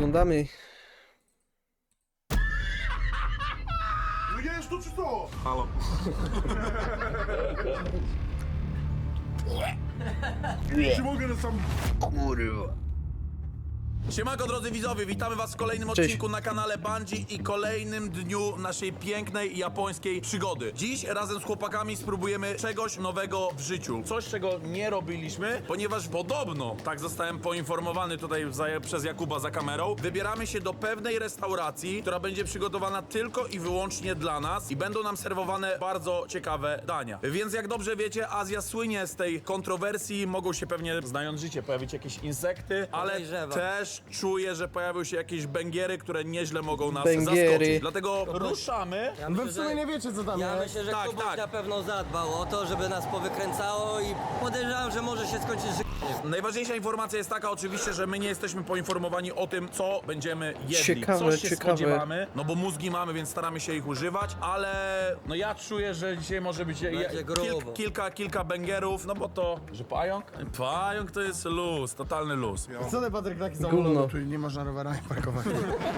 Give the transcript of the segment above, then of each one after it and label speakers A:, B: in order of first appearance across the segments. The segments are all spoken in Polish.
A: oglądamy.
B: Jesz to czy co?
C: Halo.
B: Czy mogę na sam...
C: Siemanko drodzy widzowie, witamy was w kolejnym odcinku na kanale Bungie i kolejnym dniu naszej pięknej japońskiej przygody. Dziś razem z chłopakami spróbujemy czegoś nowego w życiu. Coś, czego nie robiliśmy, ponieważ podobno, tak zostałem poinformowany tutaj przez Jakuba za kamerą, wybieramy się do pewnej restauracji, która będzie przygotowana tylko i wyłącznie dla nas i będą nam serwowane bardzo ciekawe dania. Więc jak dobrze wiecie, Azja słynie z tej kontrowersji, mogą się pewnie, znając życie, pojawić jakieś insekty, ale też czuję, że pojawią się jakieś bęgiery, które nieźle mogą nas zaskoczyć. Dlatego ruszamy.
D: Wy w sumie nie wiecie, co tam
E: Ja
D: jest.
E: myślę, że
C: Tak,
E: Kubuś
C: tak.
E: na pewno zadbał o to, żeby nas powykręcało i podejrzewam, że może się skończyć
C: Najważniejsza informacja jest taka oczywiście, że my nie jesteśmy poinformowani o tym, co będziemy jedli.
A: Ciekawe,
C: Coś się
A: ciekawe.
C: spodziewamy, no bo mózgi mamy, więc staramy się ich używać, ale no ja czuję, że dzisiaj może być
E: grubo.
C: kilka bęgerów, no bo to, że pająk? Pająk to jest luz, totalny luz.
D: Co ty, Patryk, taki
A: Gówno.
D: samolot? Czyli nie można rowerami parkować.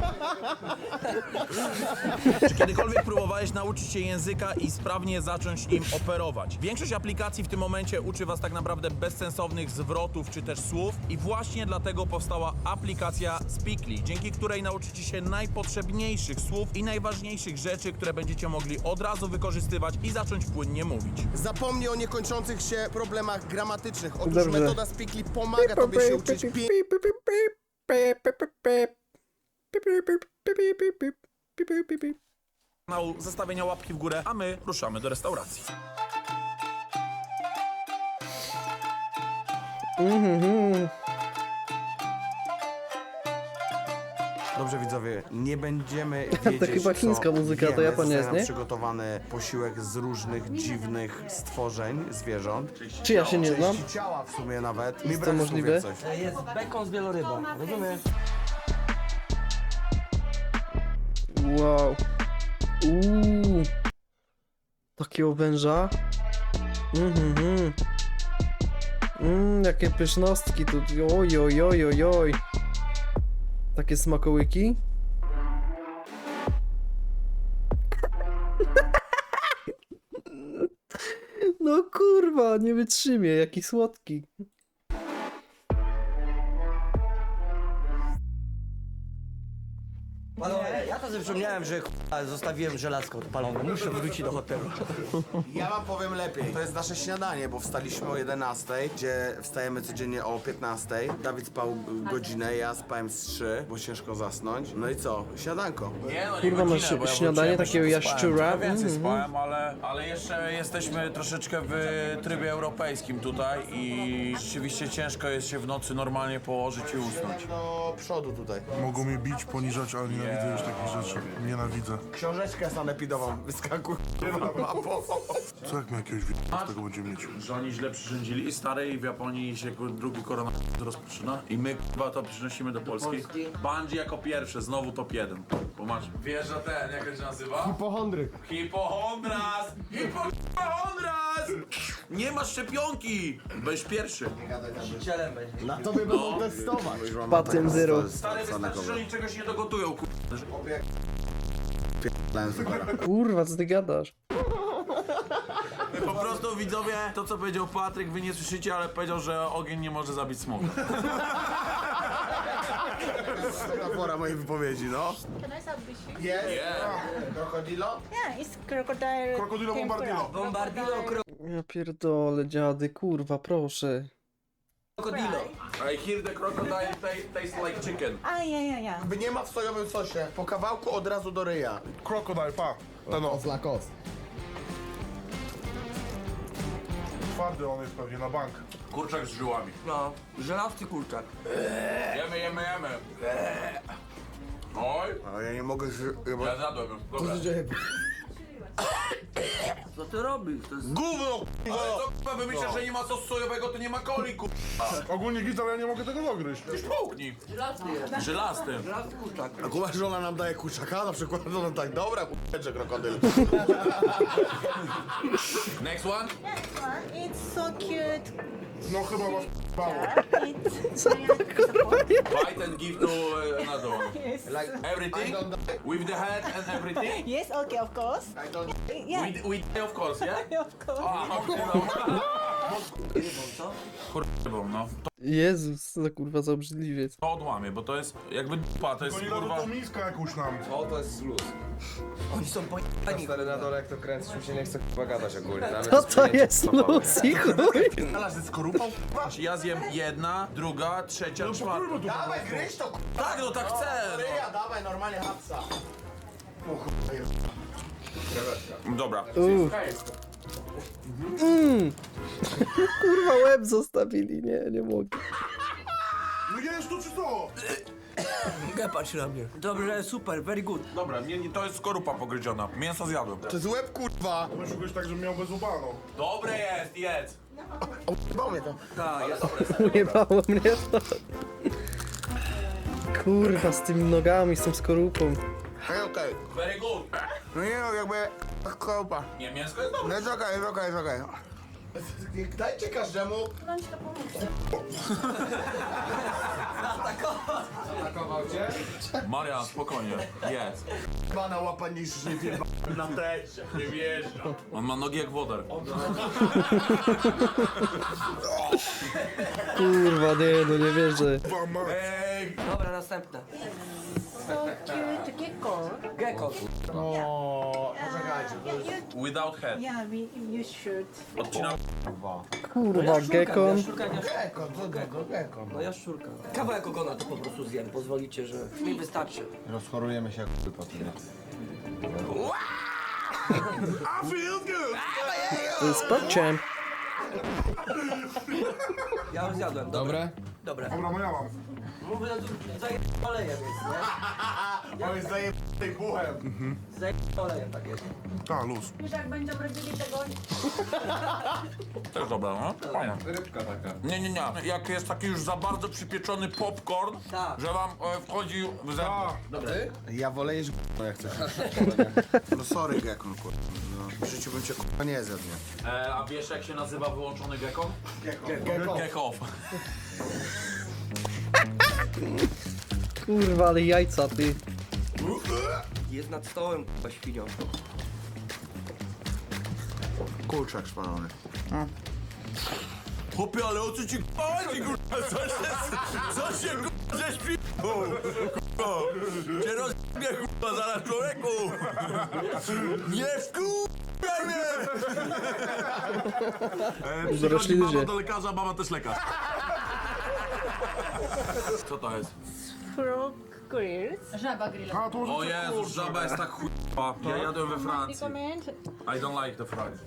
C: Czy kiedykolwiek próbowałeś nauczyć się języka i sprawnie zacząć im operować? Większość aplikacji w tym momencie uczy was tak naprawdę bezsensownych zwrotów czy też słów i właśnie dlatego powstała aplikacja Speakly, dzięki której nauczycie się najpotrzebniejszych słów i najważniejszych rzeczy, które będziecie mogli od razu wykorzystywać i zacząć płynnie mówić.
F: Zapomnij o niekończących się problemach gramatycznych. Otóż
A: Dobrze.
F: metoda Speakly pomaga tobie się uczyć
C: Kanału zostawienia łapki w górę, a my ruszamy do restauracji.
G: Dobrze widzowie, nie będziemy wiedzieć,
A: To chyba chińska
G: co
A: muzyka, to
G: jemy.
A: Japonia
G: Zostaje
A: jest,
G: nam
A: nie?
G: przygotowany posiłek z różnych dziwnych stworzeń, zwierząt.
A: Czy ja się nie znam?
G: Części ciała w sumie nawet. Mi
A: to
G: brak słów
A: możliwe?
G: jak coś.
E: Jest bekon z wielorybą, rozumiesz?
A: Wow. Takiego węża. Jakie pyszności tu. Oj, oj, oj, oj, oj. Takie smakołyki. No kurwa, nie wytrzymie, jaki słodki.
E: Panowie, ja to sobie przypomniałem, że zostawiłem żelazko odpalone. Muszę wrócić do hotelu.
G: Ja wam powiem lepiej. To jest nasze śniadanie, bo wstaliśmy o 11, gdzie wstajemy codziennie o 15. Dawid spał godzinę, ja spałem z 3, bo ciężko zasnąć. No i co? Śniadanko.
C: Nie, no
A: Kurwa, masz śniadanie takiego jaszczura.
C: Więcej spałem, ale jeszcze jesteśmy troszeczkę w trybie europejskim tutaj i rzeczywiście ciężko jest się w nocy normalnie położyć i usnąć.
G: Do przodu tutaj.
B: Mogą mnie bić, poniżać, ale nienawidzę już takich rzeczy. Nienawidzę.
G: Książeczkę sanepidową wyskakuj na mapą.
B: Co jak my jakiegoś z tego będziemy mieć?
C: Że oni źle przyrządzili stary i w Japonii się drugi koronawirus rozpoczyna i my chyba to przynosimy do Polski. Bungie jako pierwsze, znowu top 1. Pomasz. Wiesz, że ten, jak to się nazywa?
D: Hipochondryk.
C: Hipochondras! Hipochondras! Nie masz szczepionki! Będziesz pierwszy.
E: Cielem będzie.
D: Na tobie będą testować.
A: Patent zero.
C: Stary, wystarczy, że oni czegoś nie dogotują,
A: Kurwa, co ty gadasz?
C: Po prostu widzowie, to co powiedział Patryk, wy nie słyszycie, ale powiedział, że ogień nie może zabić smoka.
G: Pora mojej wypowiedzi, no.
H: Can I start fishing?
G: Krokodilo?
H: Yeah, it's crocodile.
B: Krokodilo bombardilo.
E: Bombardilo
A: Ja pierdolę, dziady, kurwa, proszę.
E: krokodilo.
C: I hear the crocodile taste like chicken.
H: Ah, yeah.
G: By nie ma w sojowym sosie. Po kawałku od razu do ryja.
B: Krokodil, pa. Ten o.
D: Lakos.
B: Twardy on jest pewnie na bank.
C: Kurczak z żyłami.
E: No, żelazny kurczak.
C: Jemy. Oj,
G: Ale ja nie mogę...
C: ja zjadłem. Dobra.
E: Co ty robisz? To jest
C: Gówno, ale co k***a, wy myślicie, że nie ma sosu sojowego, to nie ma coli, k***a.
B: Ogólnie git, ale ja nie mogę tego dogryźć.
C: Już połknij. Żelazny.
E: żelazny kurczak.
G: A kumasz, że ona nam daje kurczaka na przykład, to no tak, dobra, kurczę, krokodyl.
C: Next one.
H: It's so cute.
B: No chyba was bało.
C: Bite and give to another one.
H: Yes.
C: Everything? With the head and everything?
H: Yes, okay, of course. Yeah,
C: With of course, yeah?
H: of course.
C: Kurwa, no.
A: Jezus, co za kurwa za obrzydliwiec.
C: To odłamie, bo to jest jakby dupa, to jest
B: To nie
C: kurwa...
B: dadzą tą miskę jakąś nam.
I: O, to jest luz.
E: Oni są pojechani.
I: Stary na dole, jak to kręcisz, mi się nie chce chyba gadać ogólnie. Dla mnie
A: Co to
I: przyjęcie
A: jest
I: stopowe.
A: Lucy, chuj?
B: Ale ze skorupą?
C: Ja zjem jedna, druga, trzecia, czwarta.
B: Kurwa tu
G: Dawaj, gryź to,
C: Tak, no tak chcę!
G: k***a, dawaj, normalnie hapsa.
C: Dobra.
A: Kurwa łeb zostawili, nie mogę.
B: No jesz to czy co?
E: Nie patrz na mnie. Dobrze, super, very good.
C: Dobra, to jest skorupa pogryziona. Mięso zjadłem.
G: To jest łeb, kurwa.
B: Szukać tak, żebym miał bezubano.
C: Dobre jest, jedz!
G: Bo mnie to.
E: Tak, jest.
A: Ujebało mnie to. Kurwa, z tymi nogami, z tą skorupą.
G: Okej.
C: Very good.
G: No nie no, jakby... Kopa.
C: Nie, mięsko jest dobre.
G: No jest okej, jest okej, jest okej. Dajcie każdemu.
I: Atakował cię?
C: Marian, spokojnie, jedz.
G: Pana łapa niż nie wiem.
C: Na teście, nie wjeżdża. On ma nogi jak wodar.
A: Kurwa, nie wierzę.
E: Dobra, następne.
H: So cute gecko.
E: Gecko.
C: Without head.
H: Yeah, you should.
C: Odcinam.
A: Kurwa, gekon.
E: No jaszczurka. Kawałek ogona to po prostu zjem. Pozwolicie, że mi wystarczy.
D: Rozchorujemy się jak po tym.
A: Spokciem.
E: Ja już zjadłem.
I: Dobre?
E: Dobre.
B: Dobra, no ja mam.
E: Mówię, zaje olejem jest, nie?
G: On jest zajebany buchem.
E: Zaje olejem tak jest.
B: Ta, luz.
H: Już jak będą robili tego,
C: Też dobra, no? Fajna.
I: Rybka taka.
C: Nie. Jak jest taki już za bardzo przypieczony popcorn,
E: Tak.
C: że wam wchodzi w zęby.
D: Ja wolę jeść no jak chcesz.
G: No sorry, Gekon, kurwa. No, w życiu bym cię kurwa nie zjadł, nie?
C: A wiesz jak się nazywa wyłączony gecko? Gecko.
A: Kurwa, ale jajca, ty.
E: Jest nad stołem, k***a, świnią.
G: Kurczak szpalony.
C: Chłopie, ale o co ci chodzi, kurwa? Co się kurwa żeś pi***ł? Kurwa, cię rozjebie, kurwa, zaraz człowieku! Nie wkurwaj mnie!
A: Dorośli ludzie.
C: do lekarza, mama też lekarz. Co to jest?
H: frog grills.
B: A, to może
C: O Jezu, żaba jest tak chujowa. Ja jadłem we Francji.
H: Recommend
C: I don't like the fries.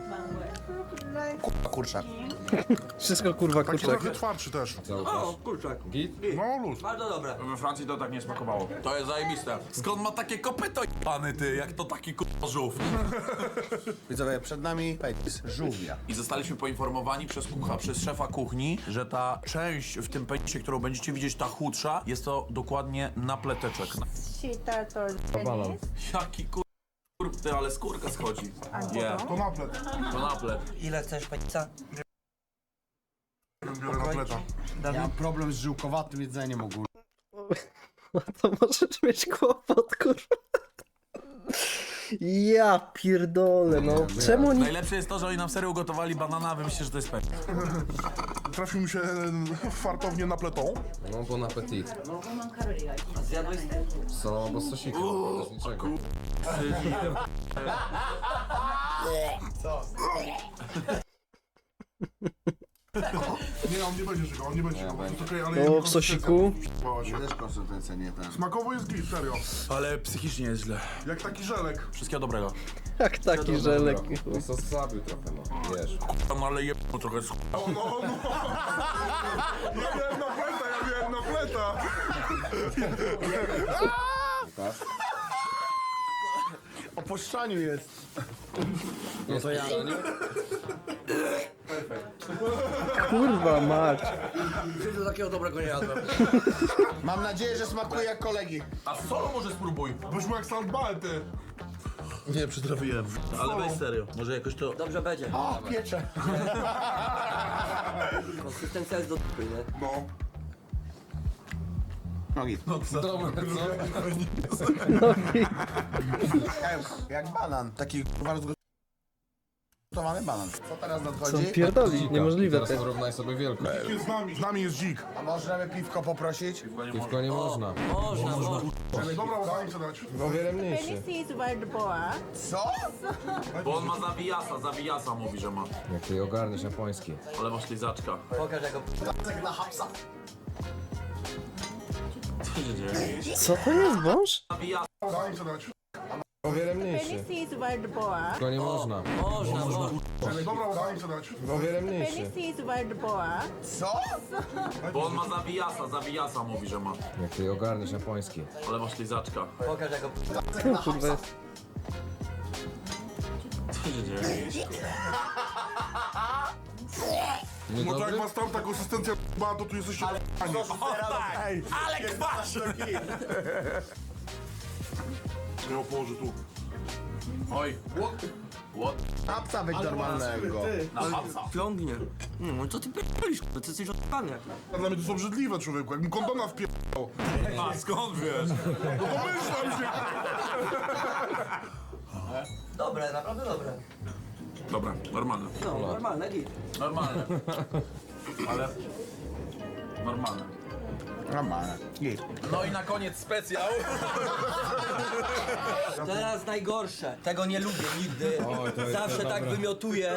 G: Kurczak.
A: Wszystko kurwa
B: taki
A: kurczak.
B: trochę twardszy też.
E: O, kurczak.
B: No, luz.
E: Bardzo dobre.
C: We Francji to tak nie smakowało. To jest zajebiste. Skąd ma takie kopyto jebany ty, jak to taki kurwa żółw?
G: Widzowie, przed nami pejtis. Żółwia.
C: I zostaliśmy poinformowani przez szefa kuchni, że ta część w tym penisie, którą będziecie widzieć, ta chudsza, jest to dokładnie napleteczek.
H: cheetah or
C: Jaki ty, ale skórka schodzi. Nie,
B: To naplet.
C: to naplet.
E: Ile chcesz, pizza?
B: Biorę napleta.
D: Ja mam problem z żyłkowatym jedzeniem ogólnie.
A: To możesz mieć kłopot, kurwa. Ja pierdolę, no. Czemu oni...
C: Najlepsze jest to, że oni nam serio ugotowali banana, a wy myślicie, że to jest penis.
B: Trafił mi się fartownie napletą.
I: No, bon appetit.
E: A zjadłeś z tym?
I: Z solą albo z sosikiem, bez niczego.
B: Nie, on nie będzie czekał, on nie będzie czekał. To jest okej, ale
A: O,
B: jego
A: w sosiku.
B: konsystencja
G: Też konsystencja nie ten.
B: Smakowo jest git, serio.
C: Ale psychicznie jest źle.
B: Jak taki żelek.
C: Wszystkiego dobrego.
A: Jak taki żelek.
I: No, sos zabił trochę, no. Wiesz.
C: No ale jebno trochę jest
B: Ja miałem napleta.
D: O poszczaniu jest.
I: No to ja.
A: Kurwa mać.
E: Nigdy takiego dobrego nie jadłem.
G: Mam nadzieję, że smakuje jak kolegi.
C: A solo może spróbuj.
B: Byśmy jak saltbal, ty.
C: Nie, przytrafiłem. Ale weź serio. Może jakoś to...
E: Dobrze będzie.
G: O, piecze.
E: Konsystencja jest do dupy, nie?
B: No.
D: Nogi.
I: Dobre, co?
D: Jak banan. Taki kurwa rozgotowany banan. Co teraz
A: Co
D: nadchodzi?
A: on pierdoli? Niemożliwe
I: Teraz
A: to.
I: porównaj sobie wielkość.
B: Z nami jest dzik.
D: A możemy piwko poprosić?
I: Piwko nie można.
E: Można.
B: Dobra, udało się dać.
I: O wiele mniejszy.
H: Tennessee is wild boar.
D: Co?
C: Bo on ma zawijasa mówi, że ma.
I: Jak ty ogarniesz japoński.
C: Ale masz lizaczka.
E: Pokaż jako...
D: Na hapsa.
C: Co się dzieje?
A: Co to jest wąż?
C: Zawijasa.
B: Udało się dać.
I: O wiele mniejszy.
H: Tennessee is wild boar.
I: Piwko nie można.
E: Można.
B: Dobra, udało się dać.
I: O wiele mniejszy.
H: Tennessee is wild boar.
D: Co?
C: Bo on ma zawijasa mówi, że ma.
I: Jak ty ogarniesz japoński.
C: Ale masz lizaczka.
E: Pokaż jako...
A: Co kurwa jest?
C: Co się dzieje?
I: Nie
B: No to jak
I: dobry?
B: masz tam ta konsystencja b***a, to tu jesteście p***ani.
C: Ej, ale kwasz!
B: Ja ją położę tu.
C: Oj. What?
D: Hapsa weź normalnego.
C: Na hapsa.
E: Ciągnie. No co ty pierdolisz, ty jesteś odpany.
B: Dla mnie to są obrzydliwe, człowieku. Jakbym kondona wpierdał.
C: A skąd wiesz?
B: No to myślam się.
E: Dobre, naprawdę dobre.
C: Dobra, normalne.
E: No, normalne, git.
C: Normalne. Ale... Normalne.
D: Normalne.
C: No i na koniec specjal.
E: Teraz najgorsze. Tego nie lubię nigdy. Zawsze tak wymiotuję.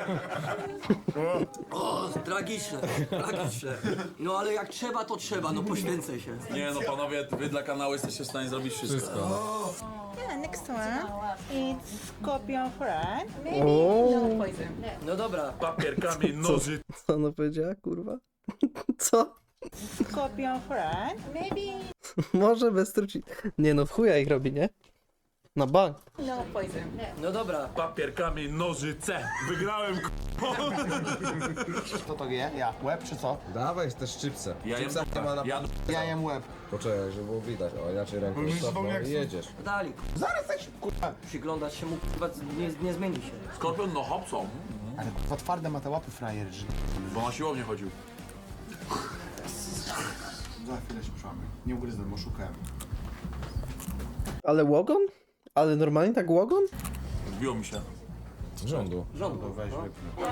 E: O, tragiczne. No ale jak trzeba, to trzeba, no poświęcę się.
C: Nie no panowie, wy dla kanału jesteście w stanie zrobić wszystko.
H: Yeah, next one. It's scorpion fry. Maybe
A: Oh.
H: no poison.
E: No dobra.
C: Papier, kamień, noży.
A: Co ona powiedziała, kurwa? Co?
H: Scorpion fry. Maybe
A: Może bez truci. Nie no, w chuja ich robi, nie? Na bank.
H: no poison.
E: No dobra.
C: Papier, kamień, nożyce. Wygrałem.
D: Kto to wie? Ja. Łeb czy co?
I: Dawaj te szczypce.
C: Ja jem
I: Szczypca nie ma na...
D: Ja jem łeb.
I: Poczekaj, żeby było widać. O, inaczej ręką
B: Bo mi
I: stopną
B: znowu jak
I: i
B: są-
I: jedziesz.
E: Dali.
D: Zaraz tak się kurwa.
E: Przyglądać się mu, chyba nie zmieni się.
C: Skorpion, no hopsą.
D: Ale kurwa twarde ma te łapy frajer, że...
C: Bo na siłownię chodził.
D: Za chwilę się przełamy. Nie ugryzłem, bo szukałem.
A: Ale łogon? Ale normalnie tak łogon?
C: Wbiło mi się.
I: Rządu.
E: Rządu.
D: Weź
E: No.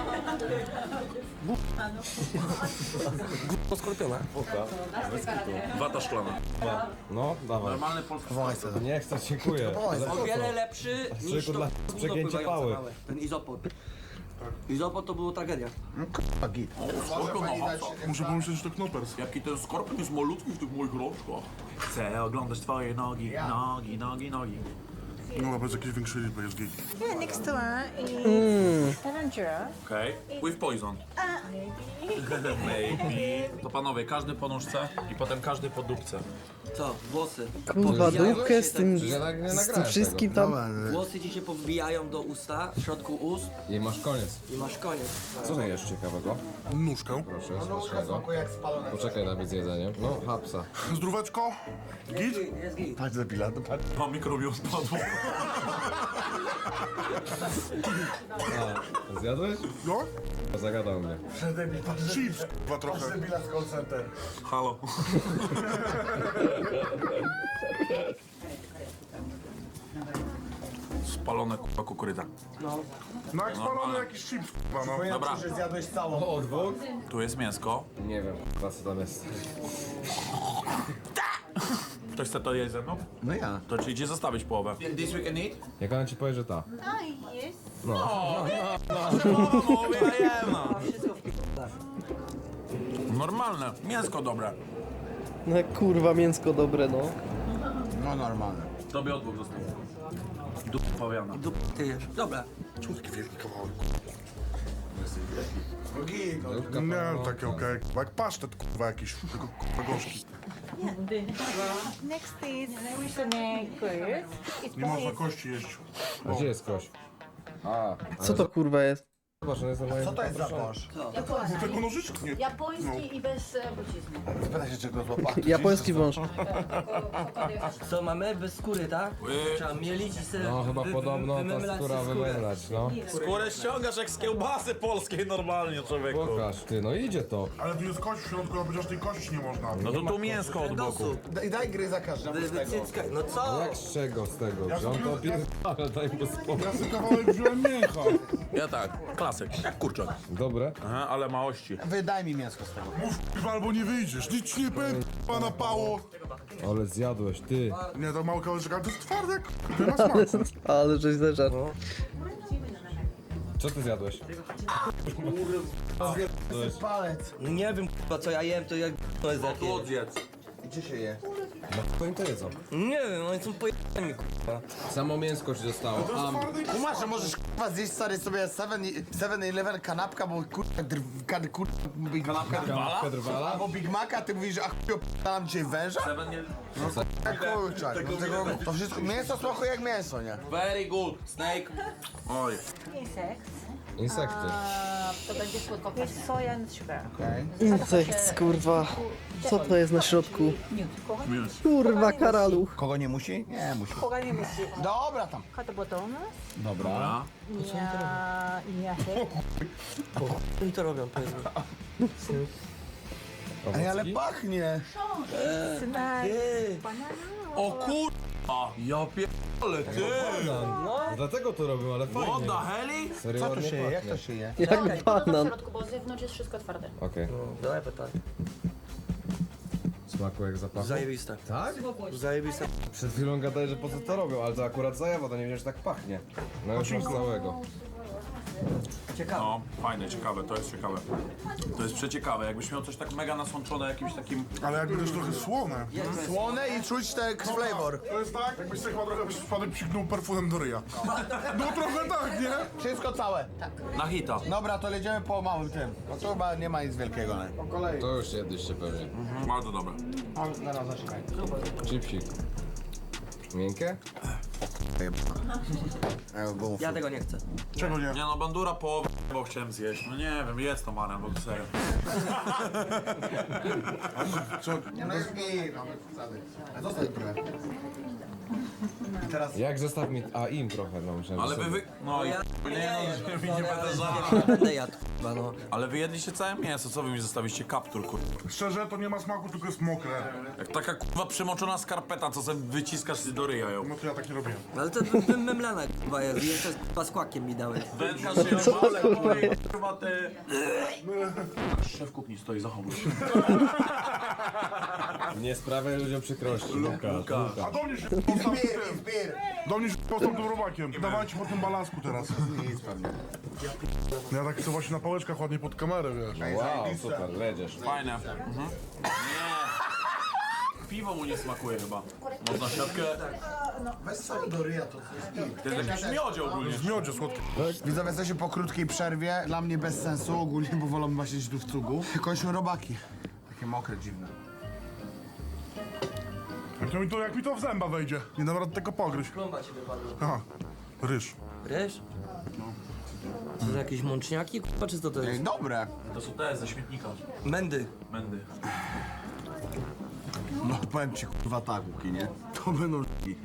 D: wypnij.
E: Skorpiona.
C: Wata szklana.
I: No, dawaj.
C: Normalny polski
I: Nie chcę, dziękuję. Ale
E: O wiele lepszy niż to
I: dla
E: gówno
I: przegięcia
E: pływające
I: pały.
E: małe. Ten izopod. Izopod to było tragedia.
D: Kurwa git.
C: Skorpion, no hopsą.
B: Muszę pomyśleć, że to knopers.
C: Jaki ten skorpion jest malutki w tych moich rączkach. Chcę oglądać twoje nogi, nogi.
B: No nawet jakieś większe liczby jest git.
H: Yeah, next one is tarantula.
C: Okej. With poison. Maybe. To panowie, każdy po nóżce i potem każdy po dupce.
E: Co? Włosy.
A: Kurwa,
E: Powbijają
A: dupkę
E: się
A: z tym,
I: Ja tak nie
A: z tym
I: nagrałem
A: wszystkim tam.
E: Włosy ci się powbijają do usta, w środku ust
I: I masz koniec.
E: i masz koniec.
I: Co to jest ciekawego?
B: Nóżkę.
I: Proszę, smacznego.
D: Jak spalone.
I: Poczekaj nawet z jedzeniem. No, hapsa.
B: Zdróweczko. Git?
E: Jest git.
D: Patrz debila, to patrz.
C: A mikrobiom spadło.
I: Zjadłeś?
B: No?
I: Zagadał mnie.
B: Chips, kurwa trochę.
D: Debila z call center.
C: Halo. Spalone kurwa kukurydza.
B: No jak spalony jakiś chips, kurwa no.
C: Dobra,
D: Że zjadłeś całą.
I: O, dwóch?
C: tu jest mięsko.
I: Nie wiem, co tam jest.
C: Ktoś chce to jeść ze mną?
D: No ja.
C: To czy idzie zostawić połowę? This we can eat?
I: Jak ona ci powie, że ta?
H: Oh, yes.
C: Mówię, ja jem, no.
E: Wszystko w p***ach.
C: Normalne, mięsko dobre.
A: No kurwa, mięsko dobre, no.
D: No normalne.
C: Tobie odwóg został. Dup pawiana.
E: Ty jesz. Dobra.
B: Czemu taki wielki kawałek?
D: No git.
I: Zupka
B: Nie,
I: pełna.
B: takie okej. Jak pasztet, kurwa jakiś, tylko kurwa gorzki.
H: Next is snake grills. It's
B: Nie można
H: both
B: kości jeść.
I: A gdzie jest kość? A,
A: Co to kurwa jest?
I: Zobacz, on jest na moim...
G: Co to jest za boż?
B: Tego nożyczki nie.
H: Japoński i bez trucizny.
G: Spytaj się czego złapał.
A: Japoński wąż.
E: Co mamy? Bez skóry, tak? Trzeba mielić i sobie
I: No chyba podobno ta
E: wymylać
I: skóra
E: sobie
I: wymylać, no.
C: Skórę ściągasz jak z kiełbasy polskiej normalnie, człowieku.
I: Pokaż, ty, no idzie to.
B: Ale tu jest kość w środku, a chociaż tej kości nie można.
C: No to tu mięsko od boku.
G: Daj gry za każdym z tego.
E: Wycyckaj. No co?
I: No jak z czego z tego? Że on to opierdala, daj mu spokój.
B: Ja sobie kawałek wziąłem mięcha.
C: Ja tak, klasyk, jak kurczak.
I: Dobre?
C: Aha, ale małości.
G: Wydaj mi mięsko z tego.
B: Mów albo nie wyjdziesz. Nic ci nie powiem, pana pało.
I: Ale zjadłeś, ty.
B: Nie, to mały kawałeczek, ale to jest twarde, nie ma smaku.
A: Ale żeś zeżarł.
I: Co ty zjadłeś?
G: Palec.
E: Nie wiem k***a, co ja jem, to jak to jest
C: Tu odjedz.
G: Gdzie się je?
I: No to jedzą.
E: Nie wiem, oni są pojebani k***a.
I: Samo mięsko ci zostało.
G: Kumasz, że możesz kurwa zjeść stary sobie 7-Eleven kanapka, bo kurwa Big Maca.
I: Kanapkę drwala?
G: Albo Big Maca, ty mówisz, że a chuj opadalam dzisiaj węża? Kurczak, no tego, to wszystko, mięso smakuje jak mięso, nie?
C: Very good, snake. Oj.
H: Insekt.
I: Insekty.
H: To będzie słodko. Jest soja and sugar.
A: Insekt, kurwa. Co to jest na środku? Kurwa, karaluch.
G: Kogo nie musi? Nie musi.
H: Koga nie musi.
G: Dobra tam.
H: Kata botona.
C: Dobra.
E: Oni to robią, powiedz mi.
G: Ej, ale pachnie.
C: O kurwa! Ja pierdolę, ty!
I: No. Dlatego to robią, ale
C: What
I: fajnie.
C: the heli?
I: Serio
G: Co tu
I: ładnie
G: się je? Jak
I: pachnie.
G: to się je?
A: Jak banan.
H: środku, bo z zewnątrz jest wszystko twarde.
I: Okej.
E: Dawaj pytanie.
I: Smaku jak zapachu?
E: Zajebiste.
I: Tak?
E: Zajebiste.
I: Przed chwilą gadałeś, że po co to robią, ale to akurat zajawa, to nie wiem, że tak pachnie. No już masz całego.
E: Ciekawe.
C: No, fajne, ciekawe, to jest ciekawe. To jest przeciekawe, jakbyś miał coś tak mega nasłączone jakimś takim...
B: Ale jakby też trochę słone.
G: Słone i czuć ten flavor.
B: To jest tak, jakbyś sobie chyba trochę przypadek psiknął perfumem do ryja. No trochę tak, nie?
G: Wszystko całe.
C: Na hita.
G: Dobra, to jedziemy po małym tym. No to chyba nie ma nic wielkiego. Nie? Po kolei.
I: To już jedliście pewnie.
C: Bardzo dobre.
G: Zaraz zaczekaj.
I: Chipsik. Miękkie?
E: Ja tego nie chcę.
B: Czego nie?
C: Nie no, bandura połowę, bo chciałem zjeść. No nie wiem, jest to Marian, bo to serio.
B: Co?
G: Nie, no jest mi, no bez przesady. Zostań trochę. I teraz...
I: Jak zostaw mi... A im trochę, no myślałem,
C: Ale
I: że
C: wy...
I: sobie.
C: No
E: Ja
C: nie będę żarł.
E: nie będę jadł, k***a, no.
C: Ale wy jedliście całe mięso, co wy mi zostawiliście? Kaptur, kurwa.
B: Szczerze, to nie ma smaku, tylko jest mokre.
C: Jak taka kurwa przemoczona skarpeta, co sobie wyciskasz do ryja ją.
B: No to ja tak nie robiłem.
E: Ale to wymemlana k***a jest. Jeszcze z kłakiem mi dałeś.
C: Wędkarz się ale kurwa ty... Szef kuchni stoi, zachowuj się.
I: Nie sprawiaj ludziom przykrości. Luka.
B: A do mnie się postaw tym. Do mnie się postaw tym robakiem. Dawajcie po tym balasku teraz.
G: Nic pewnie.
B: Ja tak chcę właśnie na pałeczkach ładnie pod kamerę, wiesz.
I: Wow, super, ledziesz.
C: Fajne. Mhm. Nie. Piwo mu nie smakuje chyba. Można siatkę.
G: Bez soli do ryja to jest.
C: To jest jakiś miodzie ogólnie.
B: W miodzie słodkie.
G: Widzowie, jesteśmy po krótkiej przerwie. Dla mnie bez sensu ogólnie, bo wolę właśnie siedzieć tu w cugu. Kończą robaki. Takie mokre, dziwne.
B: Jak mi to w zęba wejdzie. Nie dam rady tego pogryźć.
E: Plomba ci wypadła.
B: Aha. Ryż.
E: Ryż? To są jakieś mączniaki, k***a, czy co to
G: Ej,
E: jest?
G: dobre.
C: To są te ze śmietnika.
E: Mędy.
C: Mędy.
G: No powiem ci kurwa tak, Łuki, nie? To będą l***i.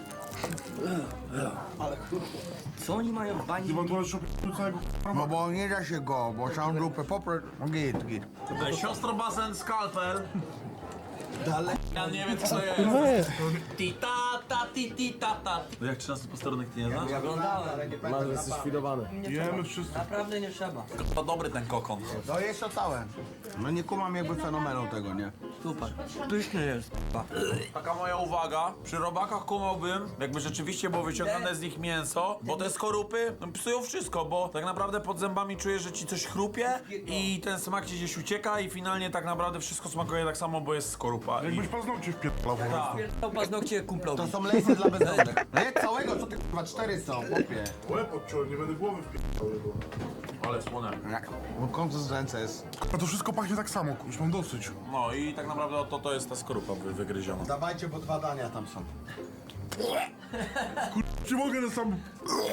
E: Co oni mają w bani?
B: Chyba tu jeszcze całego
G: No bo nie da się go, bo całą grupę poprzeć. No git.
C: Siostro basen, skalpel.
G: Dalej.
C: Ja nie wiem co to jest. Ti ta ta ti ti ta ta. No jak 13 posterunek ty nie znasz?
E: Oglądałem.
I: Masz, jesteś świdowany.
B: jemy wszyscy.
E: Naprawdę nie trzeba.
C: To dobry ten kokon.
G: To jest to całe. No nie kumam jakby fenomenu tego, nie?
E: Super. Pyszny jest, k***a.
C: Taka moja uwaga, przy robakach kumałbym, jakby rzeczywiście było wyciągane z nich mięso, bo te skorupy psują wszystko, bo tak naprawdę pod zębami czujesz, że ci coś chrupie i ten smak ci gdzieś ucieka i finalnie tak naprawdę wszystko smakuje tak samo, bo jest skorupa.
B: Jakbyś paznokcie wpierdalał po prostu.
E: To paznokcie kumplowi.
G: To są lejsy dla bezdomnych. Nie całego, co ty kurwa, 4 są, chłopie.
B: Łeb odciąłem, nie będę głowy wpierdalał jego.
C: Ale słone.
G: Bo konsystencja jest.
B: A to wszystko pachnie tak samo, już mam dosyć.
C: No i tak naprawdę to jest ta skorupa wygryziona.
G: Dawajcie, bo 2 dania tam są.
B: Czy mogę na sam...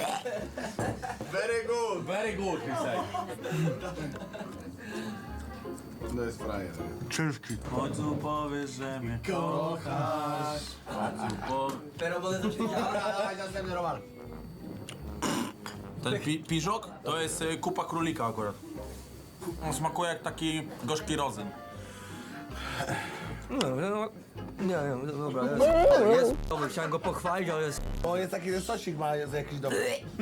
G: Very good.
C: Very good, he said.
G: No jest frajer.
B: Ciężki.
C: Chodź tu powiesz, że mnie kochasz.
E: Pero bo to się działa.
G: Dawaj następny Roman.
C: Ten piżok to jest kupa królika akurat. On smakuje jak taki gorzki rodzyn.
E: Nie wiem, dobra, jest dobry, chciałem go pochwalić, ale jest
G: O, jest taki ten sosik, ma jest jakiś dobry.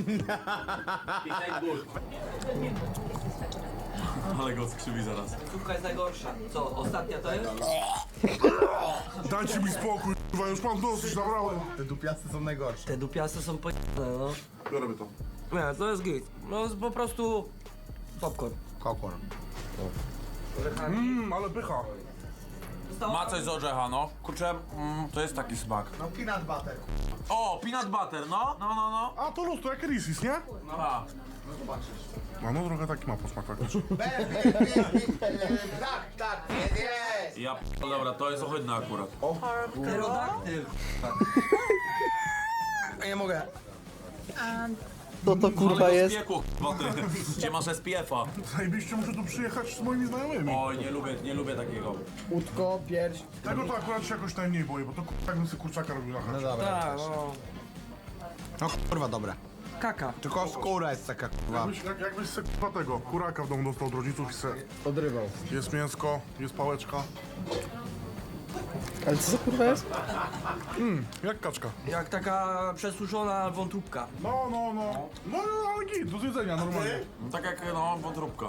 C: Ale go skrzywi zaraz.
E: Słupka jest najgorsza. Co, ostatnia to jest?
B: Dajcie mi spokój, kurwa, już mam dosyć, nabrałem.
G: Te dupiasty są najgorsze.
E: Te dupiasy są pojebane, no.
B: Biorę to.
E: Nie, to jest git. No jest po prostu popcorn.
G: Kokor.
B: Ale pycha.
C: Ma coś z orzecha, no. Kurczę, to jest taki smak.
G: No peanut butter.
C: O, peanut butter, no. No.
B: A to luz, to jak Reese's, nie?
C: A.
B: No trochę taki ma posmak faktycznie.
G: Tak, jest.
C: Ja dobra, to jest ohydne akurat.
E: Pterodaktyl.
G: Nie mogę.
A: Co to kurwa jest?
C: Spiekło, gdzie masz SPF-a?
B: Zajebiście, muszę tu przyjechać z moimi znajomymi.
C: Oj, nie lubię takiego.
G: Łódko, pierś.
B: Tego to akurat się jakoś najmniej boję, bo to tak bym sobie kurczaka robił na
G: No
B: chacie.
G: dobra.
E: Tak, no.
G: No kurwa, dobre.
E: Kaka.
G: Tylko skóra jest taka kurwa.
B: Jakbyś se kurwa tego kuraka w domu dostał od rodziców i se...
G: Odrywał.
B: Jest mięsko, jest pałeczka.
A: Ale co to kurwa jest?
B: Jak kaczka.
E: Jak taka przesuszona wątróbka.
B: No, ale git, do zjedzenia normalnie.
C: No, tak jak, no, wątróbka.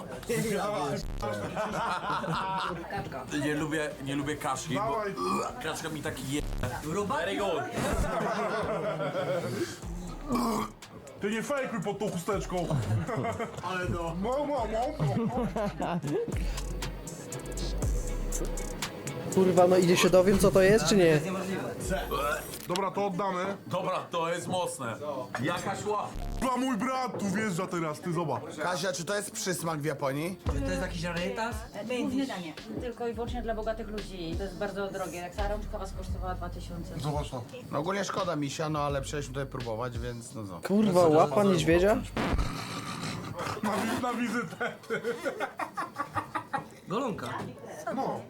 C: Nie lubię kaszy, bo
B: Dawaj,
C: kaczka mi taki je...
E: Robaki.
C: Very good.
B: ty nie fejkuj pod tą chusteczką. Ale no. No.
A: Kurwa, no idzie się dowiem co to jest, czy nie?
E: Niemożliwe.
B: Dobra, to oddamy.
C: Dobra, to jest mocne. Jakaś łap.
B: Chyba mój brat tu wjeżdża teraz, ty zobacz.
G: Kasia, czy to jest przysmak w Japonii?
E: Czy to jest jakiś rarytas?
J: Główne danie. Tylko i wyłącznie dla bogatych ludzi. To jest bardzo drogie. Jak ta rączka was kosztowała 2000.
B: Zobacz to.
G: No ogólnie szkoda misia, no ale przyjechaliśmy tutaj próbować, więc no co.
A: Kurwa, łapa niedźwiedzia?
B: Na wizytę.
E: Golonka.
B: No.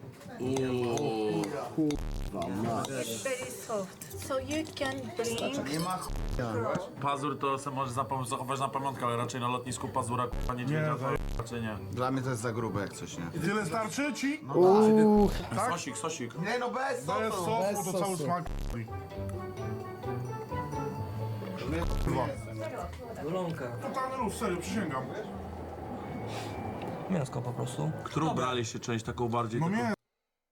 H: Very soft. So you can bring
G: Nie ma ch**a.
C: Pazur to se może zachować na pamiątkę, ale raczej na lotnisku pazura k***a niedźwiedzia to raczej nie.
G: Dla mnie to jest za grube jak coś, nie?
B: Tyle starczy ci?
A: Uuu,
C: Sosik.
G: Nie no, bez
B: Bez sosu, to cały smak. Kurwa.
E: Golonka.
B: Totalny luz, serio, przysięgam.
E: Mięsko po prostu.
C: Którą braliście część taką bardziej?
B: No
C: taką...
B: nie.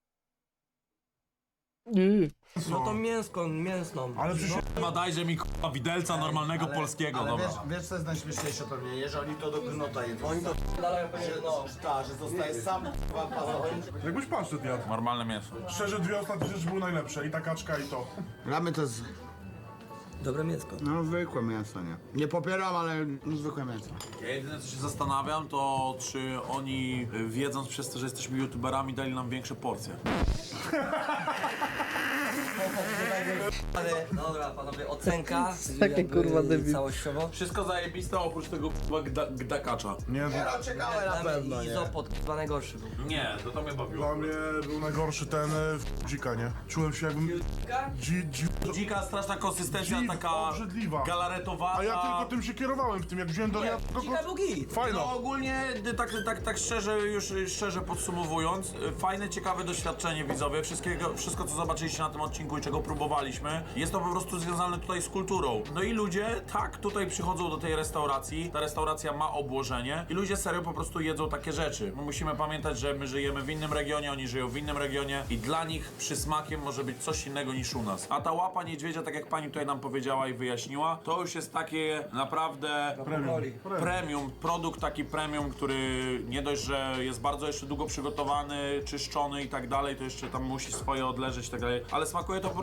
E: No to mięsną.
B: Ale przysięgam.
C: Chyba dajże mi k***a widelca normalnego polskiego,
G: Ale
C: dobra.
G: wiesz co jest najśmieszniejsze pewnie, nie? Że oni to do gnota jedzą.
E: Oni to dalają pewnie, no.
G: Że zostaje sam pasować.
B: Jakbyś paszczet jadł.
C: Normalne mięso.
B: Szczerze, dwie ostatnie rzeczy były najlepsze. I ta kaczka, i to.
G: Dla mnie to jest,
E: Dobre mięsko.
G: no zwykłe mięso, nie? Nie popieram, ale zwykłe mięso.
C: Ja jedyne co się zastanawiam, to czy oni, wiedząc przez to, że jesteśmy youtuberami, dali nam większe porcje.
E: Ale dobra, panowie, ocenka.
A: Takie,
E: jakby
A: kurwa, debil.
E: Całościowo.
C: Wszystko zajebiste oprócz tego k***a gdakacza.
B: Nie, to
G: Ciekawe na pewno, nie?
E: Izopod, chyba najgorszy był.
C: Nie, to mnie bawiło.
B: dla mnie był najgorszy ten dzika, nie? Czułem się jakbym...
C: Dzika, straszna konsystencja,
B: Dziw,
C: taka
B: obrzydliwa.
C: galaretowata.
B: A ja tylko tym się kierowałem w tym, jak wziąłem do ręki.
E: Dzika był git.
B: Fajno.
C: No ogólnie, tak szczerze podsumowując, fajne, ciekawe doświadczenie widzowie. Wszystko co zobaczyliście na tym odcinku i czego próbowaliśmy, jest to po prostu związane tutaj z kulturą. No i ludzie tak tutaj przychodzą do tej restauracji, ta restauracja ma obłożenie i ludzie serio po prostu jedzą takie rzeczy. My musimy pamiętać, że my żyjemy w innym regionie, oni żyją w innym regionie i dla nich przysmakiem może być coś innego niż u nas. A ta łapa niedźwiedzia, tak jak pani tutaj nam powiedziała i wyjaśniła, to już jest takie naprawdę premium, produkt taki premium, który nie dość, że jest bardzo jeszcze długo przygotowany, czyszczony i tak dalej, to jeszcze tam musi swoje odleżeć i tak dalej, ale smakuje to po prostu jak normalny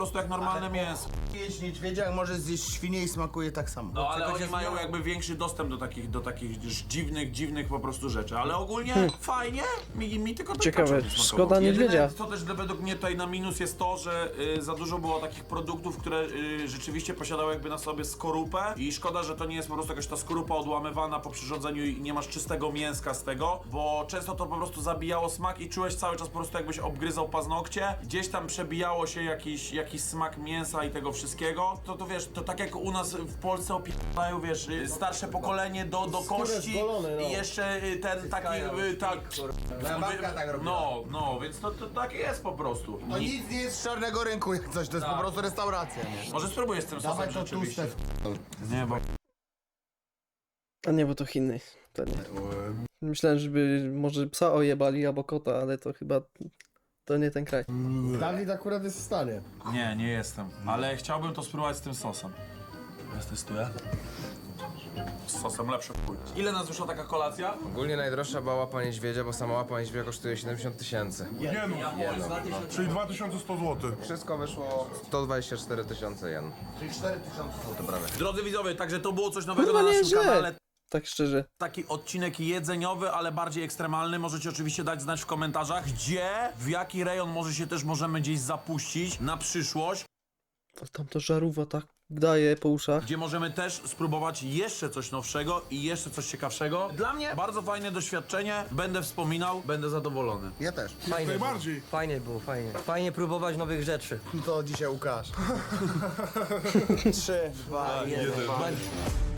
C: normalne mięso.
G: Jeść niedźwiedzia, jak może zjeść świnię i smakuje tak samo.
C: No ale oni mają jakby większy dostęp do takich dziwnych po prostu rzeczy, ale ogólnie fajnie, mi tylko ten
A: Ciekawe,
C: kaczor nie smakował.
A: szkoda niedźwiedzia.
C: Jedyne, co też według mnie tutaj na minus jest to, że za dużo było takich produktów, które rzeczywiście posiadały jakby na sobie skorupę i szkoda, że to nie jest po prostu jakaś ta skorupa odłamywana po przyrządzeniu i nie masz czystego mięska z tego, bo często to po prostu zabijało smak i czułeś cały czas po prostu jakbyś obgryzał paznokcie, gdzieś tam przebijało się jakiś smak mięsa i tego wszystkiego, to wiesz, to tak jak u nas w Polsce opierają, wiesz, starsze pokolenie do kości i jeszcze ten taki, tak,
G: Moja babka tak robiła.
C: no, więc to tak jest po prostu.
G: To nic nie jest z czarnego rynku jak coś, to jest po prostu restauracja, nie?
C: Może spróbuję z tym sosem
G: Dawaj to
C: rzeczywiście.
G: tłuste.
C: Nie, bo
A: A nie, bo to Chiny. To nie. Myślałem, żeby może psa ojebali albo kota, ale to chyba... To nie ten kraj.
F: Dawid akurat jest w stanie.
C: nie jestem, ale chciałbym to spróbować z tym sosem. Ja testuję. Z sosem lepsze chuj. Ile nas wyszła taka kolacja?
I: Ogólnie najdroższa była łapa niedźwiedzia, bo sama łapa niedźwiedzia kosztuje 70 000.
B: Jenów. Czyli 2100 zł.
I: Wszystko wyszło 124 000 jen.
G: Czyli 4000 zł prawie.
C: Drodzy widzowie, także to było coś nowego
A: Kurwa,
C: na naszym
A: nieźle.
C: kanale.
A: Tak szczerze.
C: Taki odcinek jedzeniowy, ale bardziej ekstremalny. Możecie oczywiście dać znać w komentarzach, gdzie, w jaki rejon może się też możemy gdzieś zapuścić na przyszłość.
A: A tam to żarówa tak daje po uszach.
C: Gdzie możemy też spróbować jeszcze coś nowszego i jeszcze coś ciekawszego. Dla mnie bardzo fajne doświadczenie. Będę wspominał, będę zadowolony.
F: Ja też.
E: Fajnie
B: Najbardziej.
E: było. Fajnie było, fajnie. Fajnie próbować nowych rzeczy.
F: To dzisiaj Łukasz.
E: 3, 2, 1.